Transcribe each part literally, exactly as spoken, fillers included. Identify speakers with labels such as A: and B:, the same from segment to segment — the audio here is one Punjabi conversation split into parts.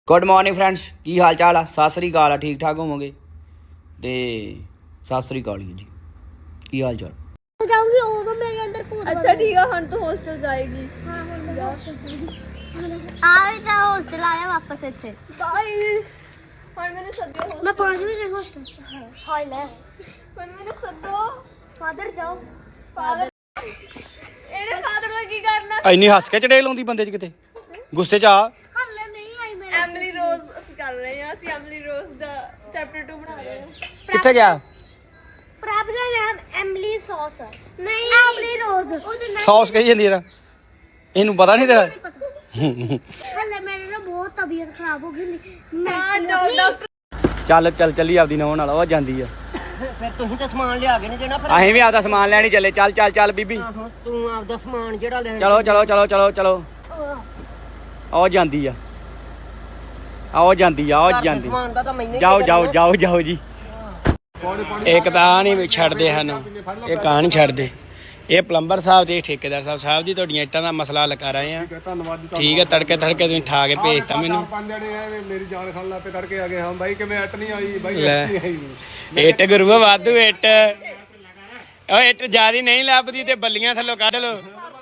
A: गुड मॉर्निंग फ्रेंड्स, की हाल चाल आ? सत श्री अकाल। ठीक ठाक होवोगे ते सत श्री अकाल जी। की हाल चाल?
B: जाऊंगी ओदो मेरे अंदर भूत।
C: अच्छा ठीक है, हम तो हॉस्टल जाएगी।
B: हां हम हॉस्टल जाएगी। आवे ता हॉस्टल आया वापस ਇੱਥੇ
C: गाइस पर मैंने सदो
B: मैं पांचवी से हॉस्टल हाय ले
C: पर मैंने सदो
B: फादर जाओ
C: फादर ਇਹਨੇ ਫਾਦਰ ਨੂੰ ਕੀ ਕਰਨਾ?
A: ਇੰਨੀ ਹੱਸ ਕੇ ਚੜੇਲ ਆਉਂਦੀ ਬੰਦੇ 'ਚ ਕਿਤੇ ਗੁੱਸੇ 'ਚ ਆ।
B: ਹੱਲੇ ਨਹੀਂ ਆਈ ਮੇਰੇ
C: ਐਮਲੀ ਰੋਜ਼ ਅਸੀਂ ਕਰ ਰਹੇ ਹਾਂ, ਅਸੀਂ ਐਮਲੀ ਰੋਜ਼ ਦਾ ਚੈਪਟਰ टू ਬਣਾ ਰਹੇ ਹਾਂ।
A: ਕਿੱਥੇ ਗਿਆ?
B: ਪ੍ਰਭ ਦਾ ਨਾਮ ਐਮਲੀ ਸੌਸ ਹੈ। ਨਹੀਂ ਐਮਲੀ ਰੋਜ਼ ਉਹਦੇ ਨਾਮ
A: ਸੌਸ ਕਹੀ ਜਾਂਦੀ ਇਹਦਾ, ਇਹਨੂੰ ਪਤਾ ਨਹੀਂ ਤੇਰਾ?
B: ਹੱਲੇ ਮੇਰੇ ਨਾਲ ਬਹੁਤ ਤਬੀਅਤ ਖਰਾਬ ਹੋ ਗਈ।
C: ਹਾਂ ਡਾਕਟਰ
A: ਚੱਲ ਚੱਲ ਚੱਲੀ ਆਪਦੀ ਨੌਂ ਨਾਲ, ਉਹ ਜਾਂਦੀ ਆ।
D: ਫਿਰ ਤੁਸੀਂ ਤਾਂ ਸਮਾਨ ਲਿਆ ਕੇ ਨਹੀਂ ਦੇਣਾ ਫਿਰ
A: ਅਸੀਂ ਵੀ ਆਪਦਾ ਸਮਾਨ ਲੈਣੀ ਚੱਲੇ। ਚੱਲ ਚੱਲ ਚੱਲ ਬੀਬੀ,
D: ਆਹੋ ਤੂੰ ਆਪਦਾ ਸਮਾਨ ਜਿਹੜਾ ਲੈਣਾ
A: ਚਲੋ ਚਲੋ ਚਲੋ ਚਲੋ ਚਲੋ। ਉਹ ਜਾਂਦੀ ਆ, ਉਹ ਜਾਂਦੀ ਆ, ਉਹ ਜਾਂਦੀ।
D: ਸਮਾਨ ਦਾ ਤਾਂ ਮੈਨੂੰ ਹੀ
A: ਜਾਓ ਜਾਓ ਜਾਓ ਜਾਓ ਜੀ। ਇੱਕ ਤਾਂ ਨਹੀਂ ਛੱਡਦੇ ਹਨ, ਇਹ ਕਾਂ ਨਹੀਂ ਛੱਡਦੇ। ਇਹ ਪਲੰਬਰ ਸਾਹਿਬ ਤੇ ਠੇਕੇਦਾਰ ਸਾਹਿਬ ਸਾਹਿਬ ਜੀ ਤੁਹਾਡੀਆਂ ਇੱਟਾਂ ਦਾ ਮਸਲਾ ਹੱਲ ਕਰ ਰਹੇ ਆ। ਠੀਕ ਹੈ, ਤੜਕੇ ਤੜਕੇ ਤੁਸੀਂ ਠਾ ਕੇ ਭੇਜਤਾ ਮੈਨੂੰ।
E: ਮੇਰੀ ਜਾਨ ਖਾਣ ਲੱਪੇ ਤੜਕੇ ਆ ਗਏ। ਹਾਂ ਬਾਈ ਕਿਵੇਂ ਇੱਟ ਨਹੀਂ ਆਈ? ਬਾਈ
A: ਲੈ।
E: ਇੱਟ ਨਹੀਂ ਆਈ।
A: ਇੱਟ ਗੁਰੂਆ ਵਾਧੂ ਇੱਟ। ਉਹ ਇੱਟ ਜਿਆਦੀ ਨਹੀਂ ਲੱਭਦੀ ਤੇ ਬੱਲੀਆਂ ਥੱਲੋਂ ਕੱਢ ਲੋ।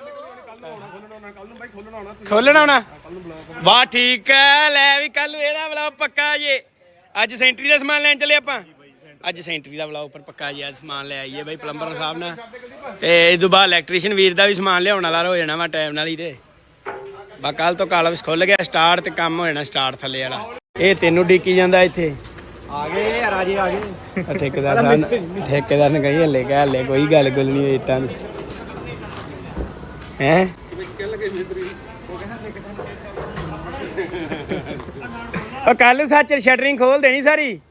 A: ਖੋਲਣਾ ਹੋਣਾ? ਵਾਹ ਠੀਕ ਹੈ। ਲੈ ਵੀ ਕੱਲ ਨੂੰ ਇਹਦਾ ਵਲੌਗ ਪੱਕਾ ਜੇ। ਅੱਜ ਸੈਂਟਰੀ ਦਾ ਸਮਾਨ ਲੈਣ ਚੱਲੇ ਆਪਾਂ। ਅੱਜ ਸੈਂਟਰੀ ਦਾ ਵਲੌਗ ਉੱਪਰ ਪੱਕਾ ਜੀ। ਅੱਜ ਸਮਾਨ ਲੈ ਆਈਏ ਬਾਈ ਪਲੰਬਰ ਸਾਹਿਬ ਨਾਲ, ਤੇ ਇਸ ਤੋਂ ਬਾਅਦ ਇਲੈਕਟ੍ਰੀਸ਼ੀਅਨ ਵੀਰ ਦਾ ਵੀ ਸਮਾਨ ਲਿਆਉਣ ਵਾਲਾ ਹੋ ਜਾਣਾ ਵਾ ਟਾਈਮ ਨਾਲ ਹੀ। ਤੇ ਬਾ ਕੱਲ ਤੋਂ ਕਾਲਵਸ ਖੁੱਲ ਗਿਆ ਸਟਾਰਟ ਤੇ ਕੰਮ ਹੋ ਜਾਣਾ ਸਟਾਰਟ ਥੱਲੇ ਵਾਲਾ। ਇਹ ਤੈਨੂੰ ਡੀਕੀ ਜਾਂਦਾ ਇੱਥੇ।
E: ਆ ਗਏ ਰਾਜੇ ਆ ਗਏ।
A: ਠੇਕੇਦਾਰ ਸਾਹਿਬ ਠੇਕੇਦਾਰ ਨੇ ਕਹੀ ਹੱਲੇ ਕਹਿ ਹੱਲੇ ਕੋਈ ਗੱਲ ਗੁੱਲ ਨਹੀਂ ਹੋਈ ਇੱਟਾਂ ਦੀ। ਹੈਂ ਉਹ ਕੱਲ ਸੱਚ ਸ਼ਟਰਿੰਗ ਖੋਲ ਦੇਣੀ ਸਾਰੀ।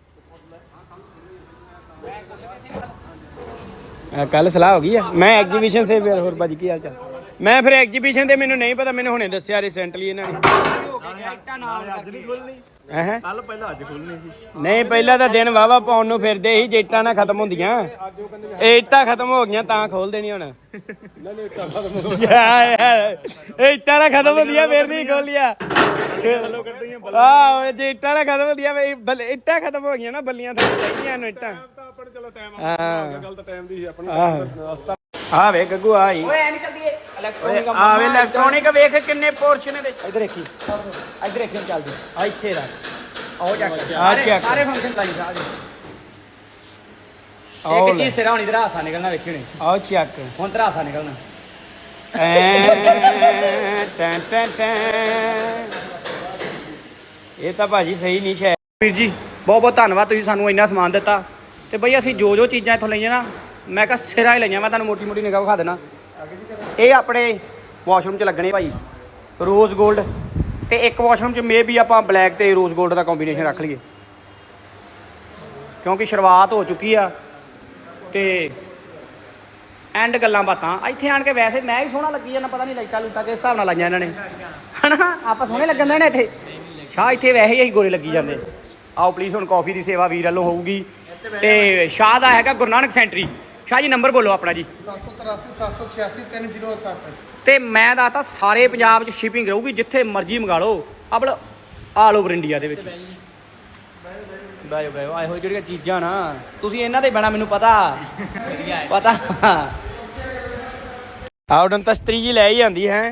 A: ਕੱਲ ਸਲਾਹ ਹੋ ਗਈ ਆ। ਮੈਂ ਐਗਜੀਬਿਸ਼ਨ ਸੇ ਫਿਰ ਹੋਰ ਭਾਜੀ ਕੀ ਹਾਲ ਚਾਲ? ਮੈਂ ਫਿਰ ਐਗਜੀਬਿਸ਼ਨ ਦੇ ਮੈਨੂੰ ਨਹੀਂ ਪਤਾ, ਮੈਨੂੰ ਹੁਣੇ ਦੱਸਿਆ ਰੀਸੈਂਟਲੀ ਇਹਨਾਂ ਨੇ।
E: ਅੱਜ ਨਹੀਂ ਖੋਲਣੀ,
A: ਹੈਂ
E: ਕੱਲ ਪਹਿਲਾਂ ਅੱਜ ਖੋਲਣੀ ਸੀ।
A: ਨਹੀਂ ਪਹਿਲਾਂ ਤਾਂ ਦਿਨ ਵਾਵਾ ਪਾਉਣ ਨੂੰ ਫਿਰਦੇ ਸੀ ਜੇ ਇੱਟਾਂ ਨਾ ਖਤਮ ਹੁੰਦੀਆਂ। ਇਹ ਇੱਟਾਂ ਖਤਮ ਹੋ ਗਈਆਂ ਤਾਂ ਖੋਲ ਦੇਣੀ ਹੁਣ। ਯਾਰ ਇਹ ਇੱਟਾਂ ਨਾ ਖਤਮ ਹੁੰਦੀਆਂ ਫਿਰ ਨਹੀਂ ਖੋਲੀਆਂ। ਆਹ ਜੇ ਇੱਟਾਂ ਨਾ ਖਤਮ ਹੁੰਦੀਆਂ, ਇੱਟਾਂ ਖਤਮ ਹੋ ਗਈਆਂ ਨਾ, ਬੱਲੀਆਂ ਥੱਲੇ ਚਾਹੀਦੀਆਂ ਇਹਨੂੰ ਇੱਟਾਂ। ਹਾਂ
E: ਗੱਲ ਤਾਂ ਟਾਈਮ ਦੀ ਸੀ ਆਪਣੀ।
A: ਆ ਵੇ ਗੱਗੂ ਆ ਹੀ ਆ ਵੇ ਇਲੈਕਟ੍ਰੋਨਿਕ ਵੇਖ ਕਿੰਨੇ ਪੋਰਸ਼ਨ ਇਹਦੇ। ਇੱਧਰ ਦੇਖੀ, ਇੱਧਰ ਦੇਖੀ ਚੱਲਦੀ ਆ। ਇੱਥੇ ਰੱਖ ਆਓ ਚੱਕ ਆ ਚੱਕ ਸਾਰੇ ਫੰਕਸ਼ਨ ਲਾਈ ਸਾਰੇ। ਇੱਕ ਚੀਜ਼ ਸਿਰਾ ਹੋਣੀ, ਤੇਰਾ ਹਾਸਾ ਨਿਕਲਣਾ ਵੇਖੀ ਹੁਣੇ। ਆਓ ਚੱਕ ਹੁਣ ਤੇਰਾ ਹਾਸਾ ਨਿਕਲਣਾ। ਟੈਂ ਟੈਂ ਟੈਂ। ਇਹ ਤਾਂ ਭਾਜੀ ਸਹੀ ਨਹੀਂ ਸ਼ਾਇਦ। ਵੀਰ ਜੀ ਬਹੁਤ ਬਹੁਤ ਧੰਨਵਾਦ, ਤੁਸੀਂ ਸਾਨੂੰ ਇੰਨਾ ਸਮਾਨ ਦਿੱਤਾ। ਤੇ ਬਈ ਅਸੀਂ ਜੋ ਜੋ ਚੀਜ਼ਾਂ ਇੱਥੋਂ ਲਈਆਂ ਨਾ, ਮੈਂ ਕਿਹਾ ਸਿਰਾ ਹੀ ਲਈਆਂ। ਮੈਂ ਤੁਹਾਨੂੰ ਮੋਟੀ ਮੋਟੀ ਨਿਗਾਹ ਵਿਖਾ ਦੇਣਾ। ਇਹ ਆਪਣੇ ਵਾਸ਼ਰੂਮ 'ਚ ਲੱਗਣੇ ਭਾਈ ਰੋਜ਼ ਗੋਲਡ, ਤੇ ਇੱਕ ਵਾਸ਼ਰੂਮ 'ਚ ਮੇ ਵੀ ਆਪਾਂ ਬਲੈਕ ਤੇ ਰੋਜ਼ ਗੋਲਡ ਦਾ ਕੰਬੀਨੇਸ਼ਨ ਰੱਖ ਲਈਏ, ਕਿਉਂਕਿ ਸ਼ੁਰੂਆਤ ਹੋ ਚੁੱਕੀ ਆ। ਤੇ ਐਂਡ ਗੱਲਾਂ ਬਾਤਾਂ ਇੱਥੇ ਆਣ ਕੇ ਵੈਸੇ ਮੈਂ ਹੀ ਸੋਹਣਾ ਲੱਗੀ ਜਾਂਦਾ। ਪਤਾ ਨਹੀਂ ਲਾਈਟਾਂ ਲੂਟਾਂ ਕਿਸ ਹਿਸਾਬ ਨਾਲ ਲਾਈਆਂ ਇਹਨਾਂ ਨੇ, ਹਨਾ? ਆਪਾਂ ਸੋਹਣੇ ਲੱਗਣ ਦੇ ਨੇ ਇੱਥੇ। ਸ਼ਾਹ ਇੱਥੇ ਵੈਸੇ ਹੀ ਅਸੀਂ ਗੋਰੇ ਲੱਗੀ ਜਾਂਦੇ। ਆਓ ਪਲੀਜ਼ ਹੁਣ ਕਾਫੀ ਦੀ ਸੇਵਾ ਵੀਰ ਵੱਲੋਂ ਹੋਊਗੀ। ਤੇ ਸ਼ਾਹ ਦਾ ਹੈਗਾ ਗੁਰੂ ਨਾਨਕ ਸੈਂਟਰੀ। ਸ਼ਾਹ ਜੀ ਨੰਬਰ ਬੋਲੋ ਆਪਣਾ ਜੀ।
E: ਸੱਤ ਸੌ ਤਰਾਸੀ ਸੱਤ ਸੌ ਛਿਆਸੀ ਤਿੰਨ ਜ਼ੀਰੋ ਸੱਤ।
A: ਤੇ ਮੈਂ ਦੱਸਦਾ ਸਾਰੇ ਪੰਜਾਬ 'ਚ ਸ਼ਿਪਿੰਗ ਰਹੂਗੀ, ਜਿੱਥੇ ਮਰਜ਼ੀ ਮੰਗਾ ਲਓ। ਆਪਲ ਆਲ ਓਵਰ ਇੰਡੀਆ ਦੇ ਵਿੱਚ। ਬਾਏ ਬਾਏ ਇਹੋ ਜਿਹੜੀਆਂ ਚੀਜ਼ਾਂ ਨਾ ਤੁਸੀਂ ਇਹਨਾਂ ਦੇ ਬਣਾ, ਮੈਨੂੰ ਪਤਾ ਪਤਾ। ਆਉਡਨ ਤਸਤਰੀ ਜੀ ਲੈ ਹੀ ਆਂਦੀ ਹੈ।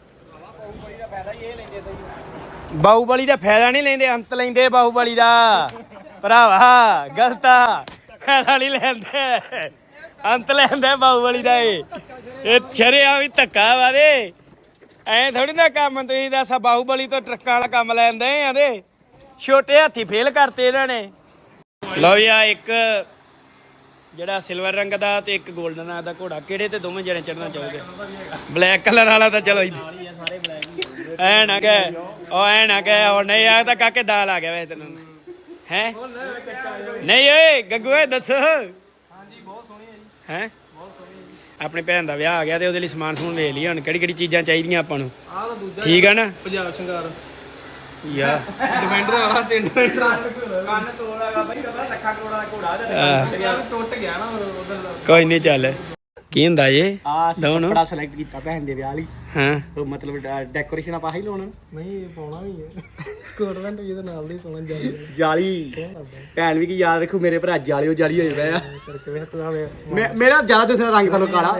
A: ਬਾਹੂਬਲੀ ਦਾ ਫਾਇਦਾ ਨਹੀਂ ਲੈਂਦੇ, ਅੰਤ ਲੈਂਦੇ ਬਾਹੂਬਲੀ ਦਾ ਭਰਾਵਾ। ਗਲਤ ਆ, ਫਾਇਦਾ ਨਹੀਂ ਲੈਂਦੇ, ਅੰਤ ਲੈਂਦੇ ਬਾਹੂਬਲੀ ਦਾ। ਇਹ ਇਹ ਛਰਿਆ ਵੀ ਧੱਕਾ ਵਾਦੇ ਐ ਥੋੜੀ ਨਾ ਕੰਮ। ਤੁਸੀਂ ਦੱਸ ਬਾਹੂਬਲੀ ਤੋਂ ਟਰੱਕਾਂ ਵਾਲਾ ਕੰਮ ਲੈਂਦੇ ਆਂਦੇ। ਛੋਟੇ ਹਾਥੀ ਫੇਲ ਕਰਤੇ ਇਹਨਾਂ ਨੇ। ਲਓ ਯਾ ਇੱਕ ਜਿਹੜਾ ਸਿਲਵਰ ਰੰਗ ਦਾ ਤੇ ਇੱਕ 골ਡਨ ਦਾ ਘੋੜਾ, ਕਿਹੜੇ ਤੇ ਦੋਵੇਂ ਜਣੇ ਚੜਨਾ ਚਾਹੋਗੇ? ਬਲੈਕ ਕਲਰ ਵਾਲਾ ਤਾਂ ਚਲੋ ਐ ਨਾ ਕਹਿ, ਉਹ ਐ ਨਾ ਕਹਿ ਹੁਣ ਨਹੀਂ ਆ ਤਾਂ ਕਾਕੇ ਦਾਲ ਆ ਗਿਆ ਵੈਸੇ ਤੈਨੂੰ ਹੈ। ਨਹੀਂ ਓਏ ਗੱਗੂ ਓਏ ਦੱਸ। ਹਾਂਜੀ ਬਹੁਤ ਸੋਹਣੀ ਹੈ ਜੀ। ਹੈ ਆਪਣੀ ਭੈਣ ਦਾ ਵਿਆਹ ਆ ਗਿਆ ਤੇ ਉਹਦੇ ਲਈ ਸਮਾਨ ਸਮੂਨ ਵੇਖ ਲਈ ਹੁਣ ਕਿਹੜੀ ਕਿਹੜੀ ਚੀਜ਼ਾਂ ਚਾਹੀਦੀਆਂ ਆਪਾਂ ਨੂੰ। ਠੀਕ ਆ ਨਾ?
E: ਪੰਜਾਬ ਸ਼ਿੰਗਾਰ
A: ਯਾ
E: ਡਿਫੈਂਡਰ ਵਾਲਾ ਤਿੰਨ ਡਿਫੈਂਡਰ
A: ਕੰਨ ਤੋੜ ਹੈਗਾ ਬਾਈ, ਲੱਖਾਂ ਕਰੋੜਾਂ ਦਾ ਘੋੜਾ ਤੇ
E: ਟੁੱਟ ਗਿਆ ਨਾ ਉਧਰ।
A: ਕੋਈ ਨਹੀਂ ਚੱਲ। ਕੀ ਹੁੰਦਾ ਜੇ?
E: ਆ
A: ਦੋਨੋਂ
E: ਕੱਪੜਾ ਸਿਲੈਕਟ ਕੀਤਾ ਭੈਣ ਦੇ ਵਿਆਹ ਲਈ।
A: ਹਾਂ
E: ਮਤਲਬ ਡੈਕੋਰੇਸ਼ਨ ਆਪਾਂ ਹੀ ਲਾਉਣਾ। ਨਹੀਂ ਪਾਉਣਾ ਵੀ ਹੈ। ਕੋਟਵੈਂਟ ਇਹਦੇ ਨਾਲ ਦੀ ਸੋਹਣਾ ਜਾਲੀ
A: ਜਾਲੀ ਭੈਣ ਵੀ ਕੀ ਯਾਦ ਰੱਖੋ ਮੇਰੇ ਭਰਾ ਜਾਲੀਓ ਜਾਲੀ ਹੋਏ ਪਏ ਆ
E: ਕਿਵੇਂ ਤੂੰ
A: ਮੇ- ਮੇਰਾ ਜ਼ਿਆਦਾ ਦੂਸਰਾ ਰੰਗ ਤੁਹਾਨੂੰ ਕਾਲਾ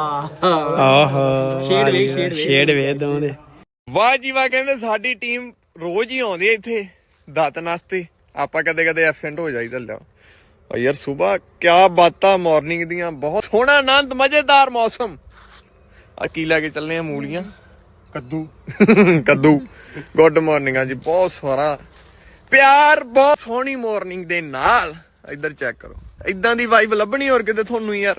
A: ਆਹ ਸ਼ੇਡ ਵੇਖ ਸ਼ੇਡ ਵੇਖ ਸ਼ੇਡ ਵੇਖ ਦੋਵਾਂ ਦੇ।
F: ਵਾਹ ਜੀ ਵਾਹ, ਕਹਿੰਦੇ ਸਾਡੀ ਟੀਮ ਰੋਜ਼ ਹੀ ਆਉਂਦੀ ਹੈ ਇੱਥੇ ਦਾਤਨ ਵਾਸਤੇ। ਆਪਾਂ ਕਦੇ ਕਦੇ ਐਬਸੈਂਟ ਹੋ ਜਾਈਦਾ ਲਿਆ ਆ ਯਾਰ। ਸਵੇਰ ਕਿਆ ਬਾਤਾਂ ਮਾਰਨਿੰਗ ਦੀਆਂ, ਬਹੁਤ ਸੋਹਣਾ ਆਨੰਦ ਮਜ਼ੇਦਾਰ ਮੌਸਮ। ਆ ਕੀ ਲੈ ਕੇ ਚੱਲੇ ਆ? ਮੂਲੀਆਂ, ਕੱਦੂ ਕੱਦੂ ਗੁੱਡ ਮਾਰਨਿੰਗ ਆ ਜੀ, ਬਹੁਤ ਸਾਰਾ ਪਿਆਰ, ਬਹੁਤ ਸੋਹਣੀ ਮਾਰਨਿੰਗ ਦੇ ਨਾਲ। ਇੱਧਰ ਚੈੱਕ ਕਰੋ, ਇਦਾਂ ਦੀ ਵਾਈਬ ਲੱਭਣੀ ਹੋਰ ਕਿਤੇ ਤੁਹਾਨੂੰ ਯਾਰ।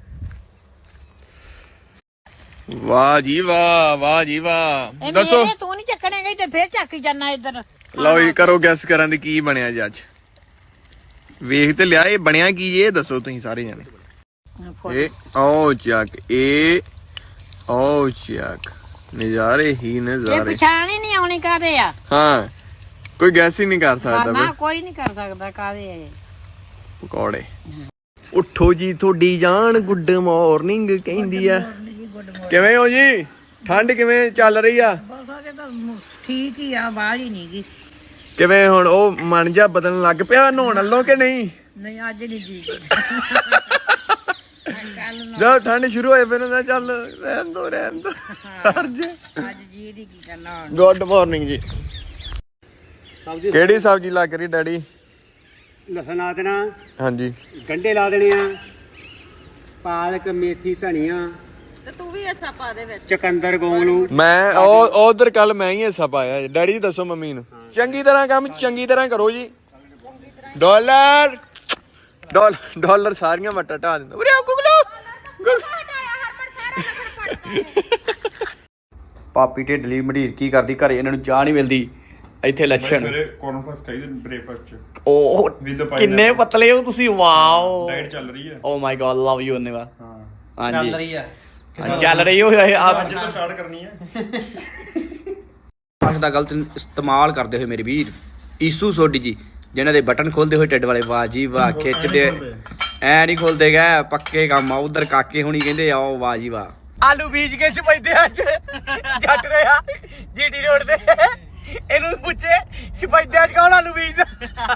F: ਵਾਹ ਜੀ ਵਾਹ, ਵਾਹ ਜੀ ਵਾਹ। ਦੱਸੋ
G: ਤੂੰ ਨਹੀਂ ਚੱਕਣੇਗਾ ਤੇ ਫੇਰ ਚੱਕ ਜਾਣਾ ਇੱਧਰ।
F: ਲਓ ਜੀ, ਕਰੋ ਗੈਸ ਕਰਾਂ ਦੀ ਕੀ ਬਣਿਆ ਜੀ ਅੱਜ। ਵੇਖ ਤੇ ਲਿਆ, ਇਹ ਬਣਿਆ ਕੀ ਇਹ ਦੱਸੋ ਤੁਸੀਂ ਸਾਰੇ ਜਾਣੇ। ਇਹ ਓ ਚੱਕ, ਇਹ ਓ ਚੱਕ, ਨਜ਼ਾਰੇ ਹੀ
G: ਇਹ
F: ਨਜ਼ਾਰੇ।
G: ਪਛਾਣ ਹੀ ਨਹੀਂ ਆਉਣੀ ਕਾਦੇ ਆ।
F: ਹਾਂ, ਕੋਈ ਗੈਸ ਹੀ ਨਹੀਂ ਕਰ ਸਕਦਾ
G: ਨਾ
F: ਬਈ।
G: ਕੋਈ ਨਹੀਂ ਕਰ ਸਕਦਾ ਕਾਦੇ ਆ।
F: ਪਕੌੜੇ। ਉੱਠੋ ਜੀ ਤੁਹਾਡੀ ਜਾਨ, ਗੁੱਡ ਮਾਰਨਿੰਗ ਕਹਿੰਦੀ ਆ। ਕਿਵੇਂ ਹੋ ਜੀ? ਠੰਡ ਕਿਵੇਂ ਚੱਲ ਰਹੀ ਆ?
G: ਠੀਕ ਹੀ ਆ, ਬਾਹਰ ਹੀ ਨਹੀਂ ਗਈ।
F: ਕਿਵੇਂ ਹੁਣ ਉਹ ਮਨ ਜਾ ਬਦਲਣ ਲੱਗ ਪਿਆ ਨਹਾਉਣ ਵੱਲੋਂ ਕਿ ਨਹੀਂ?
G: ਨਹੀਂ ਅੱਜ ਨਹੀਂ ਜੀ।
F: ਜਦ ਠੰਡ ਸ਼ੁਰੂ ਹੋਏ ਫਿਰ ਨਾ ਚੱਲ ਰਹਿਣ ਦੋ ਰਹਿਣ ਦੋ ਸਰ ਜੀ।
G: ਅੱਜ ਜੀ ਦੀ ਕੀ ਕਰਨਾ।
F: ਗੁੱਡ ਮਾਰਨਿੰਗ ਜੀ। ਕਿਹੜੀ ਸਬਜ਼ੀ ਲੱਗ ਰਹੀ ਡੈਡੀ?
E: ਲਸਣ ਲਾ ਦੇਣਾ,
F: ਹਾਂਜੀ,
E: ਗੰਢੇ ਲਾ ਦੇਣੇ ਆ, ਪਾਲਕ, ਮੇਥੀ, ਧਨੀਆ,
G: ਤੇ ਤੂੰ ਵੀ ਹਿੱਸਾ ਪਾ ਦੇ ਵਿੱਚ।
E: ਚਕੰਦਰ, ਗੋਂਗਲੂ।
F: ਮੈਂ ਉਹ ਉਧਰ ਕੱਲ ਮੈਂ ਹੀ ਹਿੱਸਾ ਪਾਇਆ। ਡੈਡੀ ਦੱਸੋ ਮੰਮੀ ਨੂੰ ਚੰਗੀ ਤਰ੍ਹਾਂ ਕੰਮ ਚੰਗੀ ਤਰ੍ਹਾਂ ਕਰੋ ਜੀ। ਡਾਲਰ ਡਾਲਰ ਡਾਲਰ ਸਾਰੀਆਂ ਮੱਟਾ ਢਾ ਦਿੰਦਾ। ਉਰੇ ਆਓ ਗੁਗਲੂ।
A: ਪਾਪੀ ਢਿੱਡਲੀ ਮਢੀਰ ਕੀ ਕਰਦੀ ਘਰੇ, ਇਹਨਾਂ ਨੂੰ ਚਾਹ ਨਹੀਂ ਮਿਲਦੀ। ਇੱਥੇ ਲੱਛਣ
E: ਕਾਨਫਰੰਸ ਕਰੀ ਬ੍ਰੇਕਫਾਸਟ ਚ
A: ਉਹ
E: With the pineapple.
A: ਕਿੰਨੇ ਪਤਲੇ ਹੋ ਤੁਸੀਂ, ਵਾਓ।
E: ਡਾਈਟ ਚੱਲ ਰਹੀ ਹੈ।
A: Oh my god, love you anyway.
E: ਹਾਂ,
A: ਹਾਂਜੀ
D: ਚੱਲ ਰਹੀ ਆ।
A: ਹਾਂ, ਚੱਲ ਰਹੀ ਹੋ ਆਪ
E: ਅੱਜ ਤੋਂ ਸਟਾਰਟ ਕਰਨੀ ਹੈ।
A: ਭਾਸ਼ਾ ਦਾ ਗਲਤ ਇਸਤੇਮਾਲ ਕਰਦੇ ਹੋਏ ਮੇਰੇ ਵੀਰ ਈਸੂ ਸੋਢੀ ਜੀ, ਜਿਨ੍ਹਾਂ ਦੇ ਬਟਨ ਖੋਲਦੇ ਹੋਏ ਢਿੱਡ ਵਾਲੇ, ਵਾਹ ਜੀ ਵਾਹ। ਖਿੱਚਦੇ ਐ ਨਹੀਂ ਖੋਲਦੇ ਗਏ, ਪੱਕੇ ਕੰਮ ਆ। ਉਧਰ ਕਾਕੇ ਹੁਣੀ ਕਹਿੰਦੇ ਆਓ, ਵਾਹ ਜੀ ਵਾਹ। ਆਲੂ ਬੀਜ ਕੇ ਛਪੈਦੇ ਅੱਜ ਜੱਟ ਰਿਹਾ ਜੀਟੀ ਰੋਡ ਤੇ। ਇਹਨੂੰ ਪੁੱਛੇ ਛਪੈਦੇ ਅੱਜ ਕੌਣ ਆਲੂ ਬੀਜਦਾ?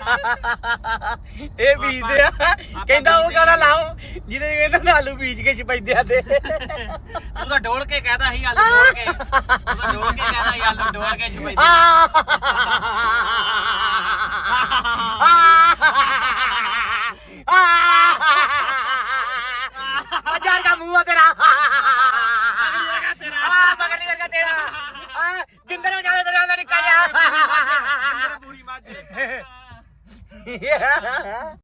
A: ਇਹ ਬੀਜਦੇ ਆ। ਕਹਿੰਦਾ ਉਹ ਗਾਣਾ ਲਾਓ ਜਿਹਦੇ ਕਹਿੰਦਾ ਆਲੂ ਬੀਜ ਕੇ ਛਪੈਦੇ ਆ ਤੇ
D: ਉਹਦਾ ਡੋਲ ਕੇ ਕਹਦਾ ਸੀ ਆਲੂ ਡੋਲ ਕੇ। ਉਹਦਾ ਡੋਲ ਕੇ ਕਹਦਾ ਸੀ ਆਲੂ ਡੋਲ ਕੇ ਛਪਾਈ।
A: हजार का मुंह तेरा मगर नहीं लगा तेरा गिंदर में जाने तेरा निकल जा पूरी मार